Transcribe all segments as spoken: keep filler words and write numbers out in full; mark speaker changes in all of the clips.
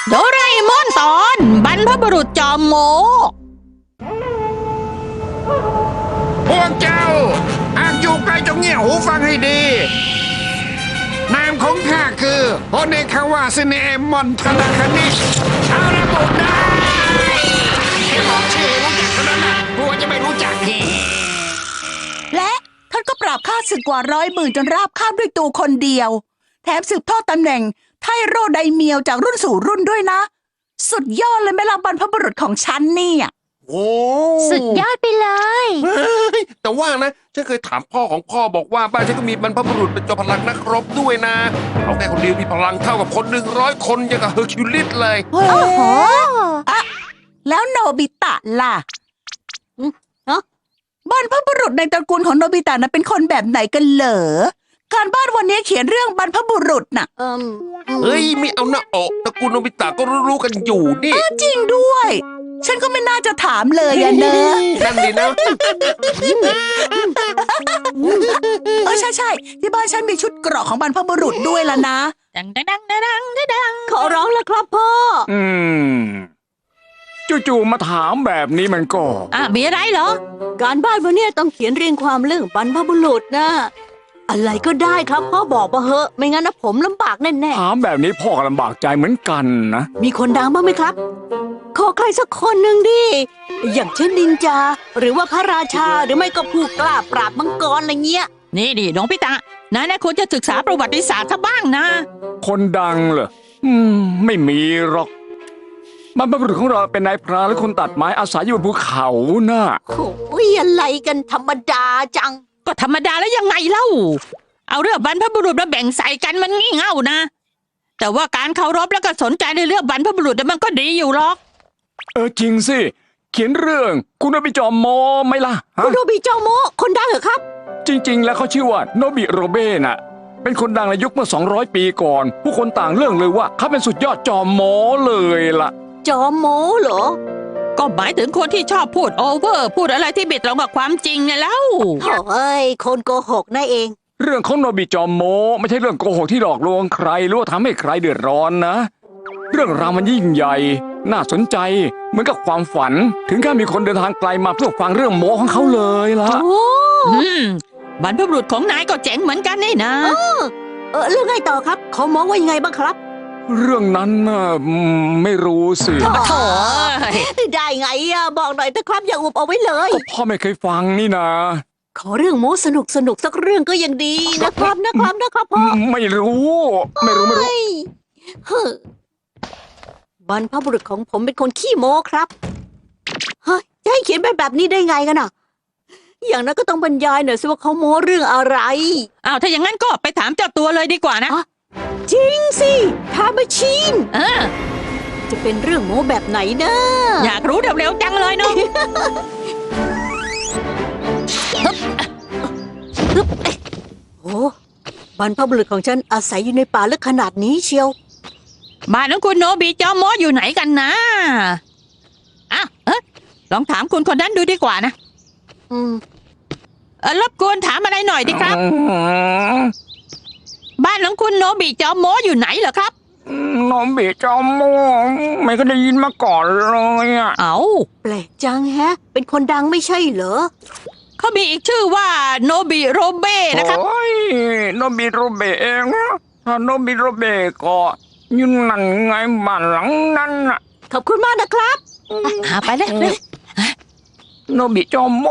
Speaker 1: โดราเอมอนตอนบรรพบุรุษจอมโม
Speaker 2: พวกเจ้าหากอยู่ไกลจงเงี่ยหูฟังให้ดีนามของข้าคือโฮเนคาวาซิเนเอมอนทนาคานิเอาระบุได้แค่บอกชื่อรู้จักเท่านั้นนะกลัวจะไม่รู้จักที
Speaker 3: และท่านก็ปราบข้าศึกกว่าร้อยหมื่นจนราบคาบด้วยตัวคนเดียวแถมสืบทอดตำแหน่งไทโรไดเมียวจากรุ่นสู่รุ่นด้วยนะสุดยอดเลยแม่ล่ะบรรพบุรุษของฉันเนี่ย
Speaker 2: โอ้
Speaker 1: สุดยอดไปเลย
Speaker 4: แต่ว่านะฉันเคยถามพ่อของพ่อบอกว่าบ้านฉันก็มีบรรพบุรุษเป็นจอมพลังนักรบด้วยนะเขาแค่คนเดียวมีพลังเท่ากับคนหนึ่งร้อยคนอย่างกับเฮอร์คิวลิสเลย
Speaker 3: โอ้โหอะแล้วโนบิตะล่ะบรรพบุรุษในตระกูลของโนบิตะนะเป็นคนแบบไหนกันเหรอการบ้านวันนี้เขียนเรื่องบรรพบุรุษน่ะ
Speaker 4: เฮ้ยไม่เอาหน้าอกตระกูลโนบิตะก็รู้ๆกันอยู่นี่
Speaker 3: จริงด้วยฉันก็ไม่น่าจะถามเลยอะเนอะ
Speaker 4: นั่นดีนะ
Speaker 3: เออใช่ใช่ที่บ้านฉันมีชุดเกราะของบรรพบุรุษด้วยล่ะนะ
Speaker 1: ดังดังดังดังดัง
Speaker 3: ขอร้องแล้วครับพ่อ
Speaker 5: อืมจู่ๆมาถามแบบนี้มันก็
Speaker 1: อ่ะมีอะไรเหรอ
Speaker 3: การบ้านวันนี้ต้องเขียนเรียงความเรื่องบรรพบุรุษนะอะไรก็ได้ครับพ่อบอกมาเหอะไม่งั้นนะผมลำบากแน่
Speaker 5: ๆถามแบบนี้พ่อก็ลำบากใจเหมือนกันนะ
Speaker 3: มีคนดังบ้างไหมครับขอใครสักคนหนึ่งดิอย่างเช่นนินจาหรือว่าพระราชาหรือไม่ก็ผู้กล้าปราบมังกรอะไรเงี้ย
Speaker 1: นี่ดิน้องพิตะนะนะควรจะศึกษาประวัติศาสตร์ซะบ้างนะ
Speaker 5: คนดังเหรออืมไม่มีหรอกบรรพบุรุษของเราเป็นนายพรานและคนตัดไม้อาศัยอยู่บนภูเขาน่ะ
Speaker 3: โอ้ยอะไรกันธรรมดาจัง
Speaker 1: ก็ธรรมดาแล้วยังไงเล่าเอาเรื่องบรรพบุรุษมาแบ่งใส่กันมันงี่เง่านะแต่ว่าการเคารพแล้วก็สนใจในเรื่องบรรพบุรุษมันก็ดีอยู่หรอก
Speaker 5: เออจริงสิเขียนเรื่องคุณโนบิจอมโมไหมล่ะ
Speaker 3: คุณโนบิจอมโมคนดังเหรอครับ
Speaker 5: จริงๆแล้วเขาชื่อว่าโนบิโรเบ้น่ะเป็นคนดังในยุคเมื่อสองร้อยปีก่อนผู้คนต่างเรื่องเลยว่าเขาเป็นสุดยอดจอมโมเลยล่ะ
Speaker 3: จอมโมเหรอ
Speaker 1: ก็หมายถึงคนที่ชอบพูดโอเวอร์พูดอะไรที่ไม่ตรงกับความจริงไงแล้ว
Speaker 3: เฮ้ยคนโกหกนั่นเอง
Speaker 5: เรื่องของโนบิจอมโมไม่ใช่เรื่องโกหกที่หลอกลวงใครหรือว่าทำให้ใครเดือดร้อนนะเรื่องราวมันยิ่งใหญ่น่าสนใจเหมือนกับความฝันถึงขั้นมีคนเดินทางไกลมาเพื่อฟังเรื่องโมของเขาเลยล่ะ
Speaker 1: โอ้บรรพบุรุษของนายก็เจ๋งเหมือนกันนี่นะ
Speaker 3: เออเรื่องไงต่อครับเขามองว่ายังไงบ้างครับ
Speaker 5: เรื่องนั้นน่ะไม่รู้สิ
Speaker 1: โถ่
Speaker 3: ได้ไงอะบอกหน่อยแต่ครับอย่าอุบเอาไว้เลย
Speaker 5: ก็พ่อไม่เคยฟังนี่นะ
Speaker 3: ขอเรื่องโม้สนุกสนุกสักเรื่องก็ยังดีนะครับนะครับนะครับพ่อ
Speaker 5: ไม่รู้ไม่รู้ไม่รู้
Speaker 3: บรรพบุรุษของผมเป็นคนขี้โม้ครับเฮ้ยจะให้เขียนแบบแบบนี้ได้ไงกันอ่ะอย่างนั้นก็ต้องบรรยายหน่อยสิว่าเขาโม้เรื่องอะไร
Speaker 1: อ้าวถ้าอย่างนั้นก็ไปถามเจ้าตัวเลยดีกว่านะ
Speaker 3: จริงสิทามาชีน
Speaker 1: เออ
Speaker 3: จะเป็นเรื่องโม้แบบไหนนะ
Speaker 1: อยากรู้เร็วๆจังเลยเนาะ
Speaker 3: โอ้บรรพบุรุษของฉันอาศัยอยู่ในป่าลึกขนาดนี้เชียว
Speaker 1: บ้านของคุณโนบิจอมโมอยู่ไหนกันนะอ่ะเออลองถามคุณคนนั้นดูดีกว่านะ
Speaker 3: อืม
Speaker 1: เออรบกวนถามอะไรหน่อยดิครับบ้านของคุณโนบิจอมโมอยู่ไหนเหรอครับ
Speaker 5: โนบิจอมโมไม่เคยได้ยินมาก่อนเลยอ่ะ
Speaker 1: เอ้า
Speaker 3: แปลกจังแฮะเป็นคนดังไม่ใช่เหรอ
Speaker 1: เขามีอีกชื่อว่าโนบิโรเบ้นะครับ
Speaker 5: โอ้ยโนบิโรเบ้เองถ้าโนบิโรเบ้ก็ยืนนั่นไงบ้านหลังนั้นอ่ะ
Speaker 3: ขอบคุณมากนะครับ
Speaker 1: หาไปเลยเร็ว
Speaker 5: โนบิจอมโม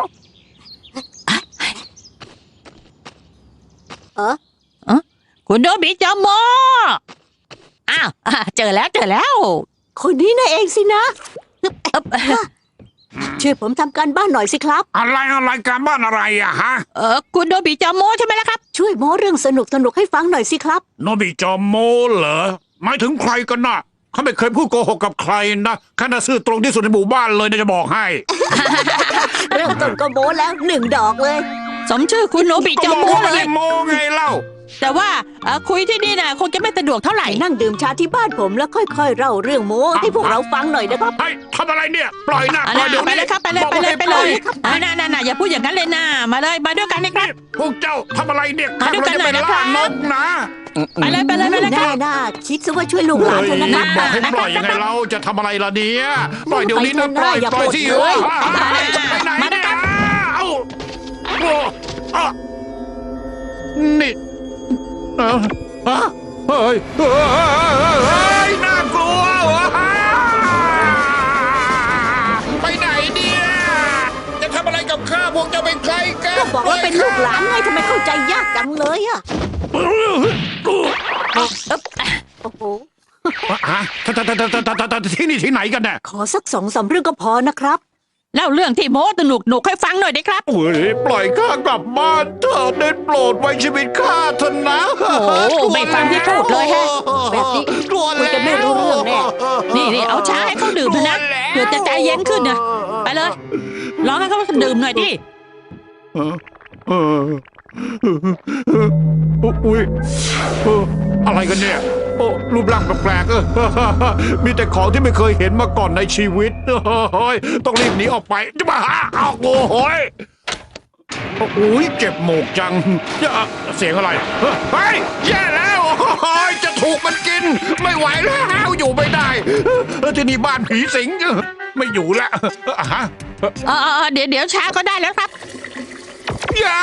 Speaker 3: เออ
Speaker 1: เออคุณโนบิจอมโมอ้าวเจอแล้วเจอแล้ว
Speaker 3: คนนี้น่ะเองสินะช่วยผมทำการบ้านหน่อยสิครับ
Speaker 2: อะไรอะไรการบ้านอะไรอะฮะ
Speaker 1: เออคุณโนบิจอมโมใช่ไหมล่ะครับ
Speaker 3: ช่วยโม้เรื่องสนุกสนุกให้ฟังหน่อยสิครับ
Speaker 2: โนบิจอมโมเหรอหมายถึงใครกันน่ะเขาไม่เคยพูดโกหกกับใครนะข้าน่ะซื่อตรงที่สุดในหมู่บ้านเลยนะจะบอกให้
Speaker 3: เริ่มต้นก็โม้แล้วหนึ่งดอกเลย
Speaker 1: สมชื่อคุณโนบิจอมโมเลย
Speaker 2: โมไงเล่า
Speaker 1: แต่ว่าคุยที่นี่นะคงจะไม่สะดวกเท่าไหร่
Speaker 3: นั่งดื่มชาที่บ้านผมแล้วค่อยๆเล่าเรื่องโม้ให้พวกเราฟังหน่อยนะครับ
Speaker 2: ไอ้ทำอะไรเนี่ยปล่อยนะ
Speaker 1: ปล่อยเดี๋ยวไปเลยครับไปเลยไปเลยไปเลยน่าน่าน่าอย่าพูดอย่างนั้นเลยนะมาเลยมาด้วยกันนะครับ
Speaker 2: พวกเจ้าทำอะไรเนี่ยมาด้วยกันหน่อยนะครับนกนะ
Speaker 1: ไปเลยไปเลยไปเลยค
Speaker 6: แน่
Speaker 1: รับ
Speaker 6: น่าคิดซะว่าช่วยลูกหลานเถอะนะครับ
Speaker 2: บอกให้ปล่อยยังไงเราจะทำอะไรล่ะเนี่ยปล่อยเดี๋ยวนี้นะปล่อย
Speaker 6: อย่า
Speaker 2: ปล่อย
Speaker 6: ปลด
Speaker 2: ที่
Speaker 6: เลย
Speaker 2: จะไปไหนเนี่ยเอ้าโอ้อ่ะนี่เอ้าฮะเฮ้ยเฮ้ยเฮ้ยน่ากลัววะไปไหนเนี่ยจะทำอะไรกับข้าพวกเจ้าเป็นใครกัน
Speaker 6: ก็บอกว่าเป็นลูกหลานไงทำไมเข้าใจยากจังเลยอะโอ้โห
Speaker 2: ฮะททททททที่นี่ที่ไหนกันเนี่ย
Speaker 6: ขอสักสองสามเรื่องก็พอนะครับ
Speaker 1: แล้วเรื่องที่โม้สนุกหนุกให้ฟังหน่อยดิครับ
Speaker 2: โอ้ยปล่อยข้ากลับบ้านเถอะได้โปรดไว้ชีวิตข้าเถอะนะ
Speaker 1: โอ้โหไม่ฟังที่พูดเลยแฮะ
Speaker 6: แบบนี้
Speaker 2: กลัว
Speaker 6: คุยกันไม่รู้เรื่องแน่
Speaker 1: นี่นี่เอาชาให้เขาดื่มเถอะนะเผื่อจะใจเย็นขึ้นนะไปเลยลองให้เขาดื่มหน่อยดิ
Speaker 2: เออเอออุ้ยเอออะไรกันเนี่ยโอ้รูปร่างแปลกๆเออมีแต่ของที่ไม่เคยเห็นมาก่อนในชีวิตเฮ้ยต้องรีบหนีออกไปจะมาหาเอาโอ้โหยโอ้ยเจ็บหมกจังเสียงอะไรเฮ้ยแย่แล้วโอ้ยจะถูกมันกิน ไม่ไหวแล้วอยู่ไม่ได้ที่นี่บ้านผีสิงไม่อยู่แล้วฮะ
Speaker 1: เออเออเดี๋ยวเดี๋ยวชาก็ได้แล้วครับ
Speaker 2: อย่า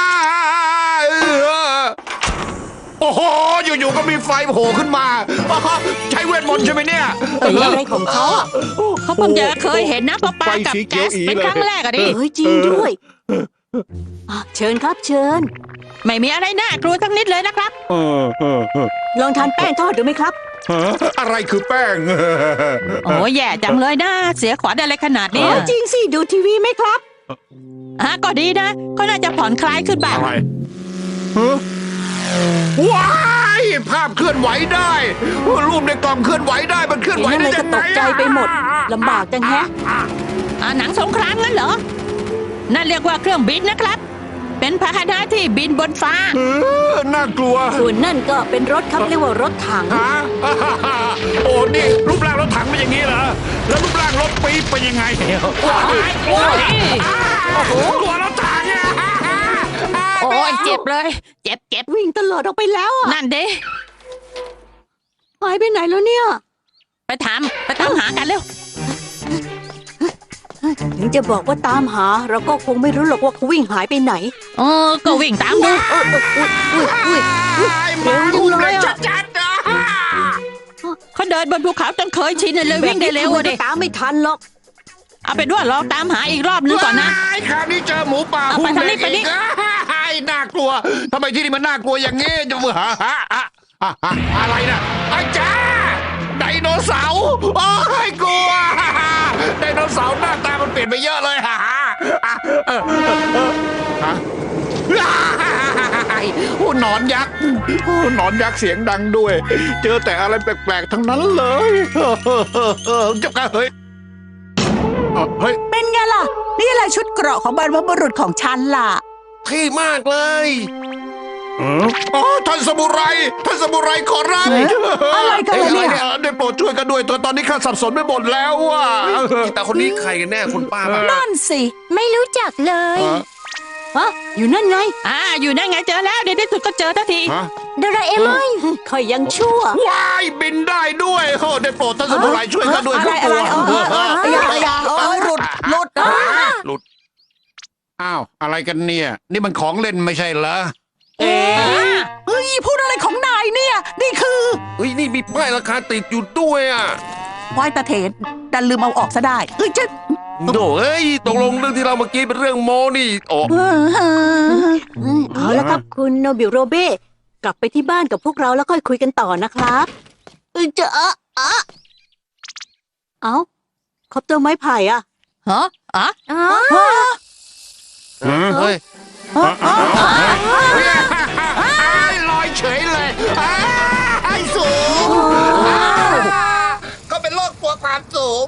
Speaker 2: โอ้โหอยู่ๆก็มีไฟโผล่ขึ้นมาใช้เวทมนต์ใช่ไหมเนี่ย
Speaker 6: เอ้ยอะไรของเขาอะ
Speaker 1: เขาเพิ่งจะเคยเห็นนะปลาปลากับแก๊สเป็นครั้งแรกอะดิ
Speaker 6: เอ้ยจริงด้วยอ่ะเชิญครับเชิญ
Speaker 1: ไม่มีอะไรน่ากลัวทั้งนิดเลยนะครับ
Speaker 2: เออเออเออ
Speaker 6: ลองทานแป้งทอดดูไหมครับ
Speaker 2: ฮะอะไรคือแป้ง
Speaker 1: โอ้ยแย่จังเลยนะเสียขวัญอะไรขนาดเนี้ย
Speaker 6: เออจริงสิดูทีวีไหมครับ
Speaker 1: อ่ะก็ดีนะเขาน่าจะผ่อนคลายขึ้นบ้าง
Speaker 2: อะไรฮะว้ายภาพเคลื่อนไหวได้รูปในกล่องเคลื่อนไหวได้มันเคลื่อนไหว
Speaker 6: เห็นอะไร
Speaker 2: ได้
Speaker 6: ก็
Speaker 2: ยัง
Speaker 6: ต
Speaker 2: ไง
Speaker 6: กใจไปหมดลำบากจังแฮะ
Speaker 1: อ่ะหนังสงครามงั้นเหรอนั่นเรียกว่าเครื่องบินนะครับ เป็นพาหนะที่บินบนฟ้า
Speaker 2: เออน่ากลัว
Speaker 6: ส่วนนั่นก็เป็นรถครับเรียกว่ารถถัง
Speaker 2: ฮะโอ้นี่รูปร่างรถถังเป็นอย่างนี้เหรอแล้วรูปร่างรถปี๊บเป็นยังไง
Speaker 1: โอ้ยโอ้ย
Speaker 2: โอ้โหกลัวรถถังอะ
Speaker 1: โอ้ยเจ็บเลย เจ็บเจ็บ
Speaker 6: วิ่งตลอดออกไปแล้วอ่ะ
Speaker 1: นั่นเด้
Speaker 6: หายไปไหนแล้วเนี่ย
Speaker 1: ไปถามไปตามหากันเร็ว
Speaker 6: ถึงจะบอกว่าตามหา เราก็คงไม่รู้หรอกว่าเขาวิ่งหายไปไหน
Speaker 1: เออก็วิ่งตามดู
Speaker 6: เออเอออุ้ยอุ้ยอุ้ยอุ้ย
Speaker 2: มาอุ้มเลย
Speaker 6: เร็วจังเลยอะ
Speaker 2: ชัดๆนะ
Speaker 1: เขาเดินบนภูเขาจนเคยชินเลยวิ่งได้เร็ว
Speaker 6: แบบ
Speaker 1: อะ
Speaker 6: นี้
Speaker 1: ดิ
Speaker 6: ตามไม่ทันหรอก
Speaker 1: เอาเป็นว่าลองตามหาอีกรอบนึงก่อนนะ
Speaker 2: ว้ายคราวนี้เจอหมูป่า
Speaker 1: เอาไป
Speaker 2: หุ้ม
Speaker 1: ทางนี้
Speaker 2: เด็ก
Speaker 1: ไปนี่
Speaker 2: อีกอ้ายน่ากลัวทำไมที่นี่มันน่ากลัวอย่างงี้จะมือฮะฮะฮะฮะฮะอะไรนะไอ้จ้าไดโนเสาร์โอ้ยกลัวไดโนเสาร์หน้าตามันเปลี่ยนไปเยอะเลยฮะฮะเออเออเออฮะโอ้หนอนยักษ์โอ้หนอนยักษ์เสียงดังด้วย เจอแต่อะไรแปลกๆทั้งนั้นเลยเจ้าก็เฮ้ยเอ่อเฮ้ย
Speaker 3: เป็นไงล่ะ นี่แหละชุดเกราะของบรรพบุรุษของฉันล่ะ
Speaker 4: เท่มากเลย
Speaker 2: อ๋อท่านสมุไรท่านสมุไรขอรับ
Speaker 3: เอ๊ะอะไรกันล่ะเนี่ย
Speaker 2: อ๊ะได้โปรดช่วยกันด้วยเถอะตอนนี้ข้าสับสนไปหมดแล้วอ่ะ
Speaker 4: แต่คนนี้ใครกันแน่คุณป้าป่ะ
Speaker 3: นั่นสิ
Speaker 6: ไม่รู้จักเลยฮะอยู่นั่นไง
Speaker 1: อ่าอยู่นั่นไงเจอแล้วเดี๋ยวที่สุดก็เจอทันที
Speaker 2: ฮะ
Speaker 6: โดราเอมอนคอยยังชั่ว
Speaker 2: ว้ายบินได้ด้วยโอ้ได้โปรดท่านสมุไรช่วยกันด้วย
Speaker 3: อะไรอะไรเออเออเอออย่าอย่าเออหลุดหลุด
Speaker 4: หลุด
Speaker 2: อ้าวอะไรกันเนี่ย นี่มันของเล่นไม่ใช่เหรอ
Speaker 3: เอ๊ะเฮ้ยพูดอะไรของนายเนี่ย นี่คือ
Speaker 4: เฮ้ยนี่มีป้ายราคาติดอยู่ด้วยอ่ะ
Speaker 3: วายตาเถนดันลืมเอาออกซะได้เอ้ยจะ
Speaker 4: โดเอ้ยตกลงเรื่องที่เราเมื่อกี้เป็นเรื่องโมนี่โอ้
Speaker 3: เออเออ
Speaker 6: อืมเอาละครับคุณโนบิโรเบ้กลับไปที่บ้านกับพวกเราแล้วค่อยคุยกันต่อนะครับเออจะอะอะเอ้าคอปเตอร์ไม้ไผ่อะ
Speaker 1: ฮะอ่ะ
Speaker 6: อ๋อ
Speaker 4: เฮ้ย
Speaker 2: ลอยเฉยเลยไอ้สูงก็เป็นโรคกลัวความสูง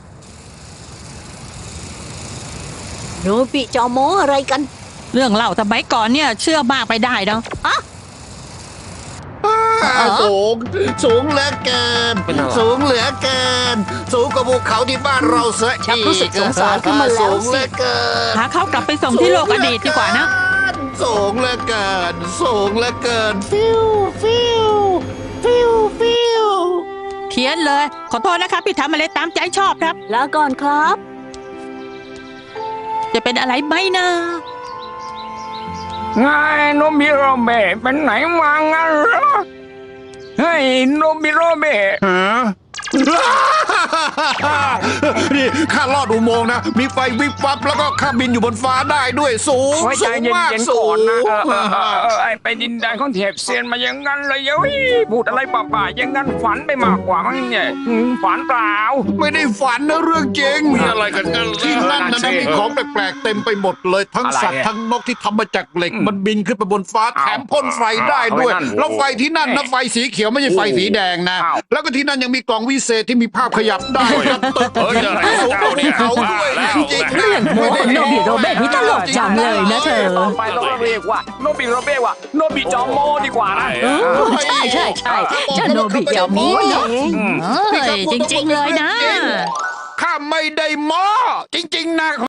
Speaker 6: โนบิจอโมอะไรกัน
Speaker 1: เรื่องเล่าสมัยก่อนเนี่ยเชื่อมากไปได้เนาะ
Speaker 2: สูงสูงเหลือเกิน
Speaker 4: เป็นอะไร
Speaker 2: สูงเหลือเกิน สูงกว่าภูเขาที่บ้านเราเสีย
Speaker 6: ชัก
Speaker 2: อีก
Speaker 6: รู้สึกสงสารขึ้นมาแล้ว
Speaker 2: สูงเห
Speaker 6: สิ
Speaker 2: ลือเกิน
Speaker 1: หาเขากลับไปส่งที่โลกอดีตดีกว่านะ
Speaker 2: สูงเหลือเกิน สูงเหลือเกิน ฟิวฟิว
Speaker 3: ฟิวฟิว
Speaker 1: เขียนเลย ขอโทษนะครับที่ทำอะไรตามใจชอบครับ
Speaker 6: ลาก่อนครับ
Speaker 1: จะเป็นอะไรไหมนะ
Speaker 5: ไงโนบิโรเบะเป็นไหนมางั้นเหรอเฮ้ยโนบิโรเบะ
Speaker 2: ฮะ นี่ข้าลอดอุโมงค์นะ มีไฟวิบวับแล้วก็ข้าบินอยู่บนฟ้าได้ด้วยสูง
Speaker 5: ไว้ใจ
Speaker 2: สูง
Speaker 5: เย็
Speaker 2: มาก
Speaker 5: นๆ
Speaker 2: สู
Speaker 5: ก่อน
Speaker 2: ง
Speaker 5: นะเออเออเออเออไอไปดินแดนของเทพเซียนมาอย่างนั้นเลยเฮ้ยพูดอะไรป่าๆอย่างนั้นฝันไปมากกว่ามั้งเนี่ยอืมฝันเปล่า
Speaker 2: ไม่ได้ฝันนะเรื่องจริง
Speaker 4: มีอะไรกันกันล่ะ
Speaker 2: ที่นั่นนะ
Speaker 5: นั่นสิ
Speaker 2: นะมีของแปลกๆเต็มไปหมดเลย ทั้ง
Speaker 5: อะไร
Speaker 2: สัตว์
Speaker 5: อะ
Speaker 2: ทั้งนกที่ทำมาจากเหล็ก
Speaker 5: อืม
Speaker 2: มันบินขึ้นไปบนฟ้าแถมพ่นไฟได้ด้วย
Speaker 5: เอาไว้นั่น
Speaker 2: แล้วไฟที่นั่นนะ
Speaker 5: โอ้
Speaker 2: ไฟสีเขียวไม่ใช่ไฟสีแดงนะ
Speaker 5: อ้าว
Speaker 2: แล้วก็ที่นั่นยังมีกล่องวิเศษที่มีภาพขยับได้ครับตึก
Speaker 4: เฮ้ยอะไร
Speaker 2: สูงกว่าภูเขาด้วย
Speaker 4: แล้ว
Speaker 2: จริงๆ
Speaker 4: เรื่อง
Speaker 3: โมโนบิโรเบะนี่ตลกจังเลยนะเธอ
Speaker 5: ต่อไปต้องเรียกว่าโนบิโรเบะว่าโนบิจอมโมดีกว่านะ
Speaker 3: เออใช่ใช่ใช่เจ้าโนบิเดี๋ยวนี้เอง
Speaker 5: อืม
Speaker 1: เอ้ยจริง ๆ เลยนะ
Speaker 2: ข้าไม่ได้หมอจริง ๆ นะ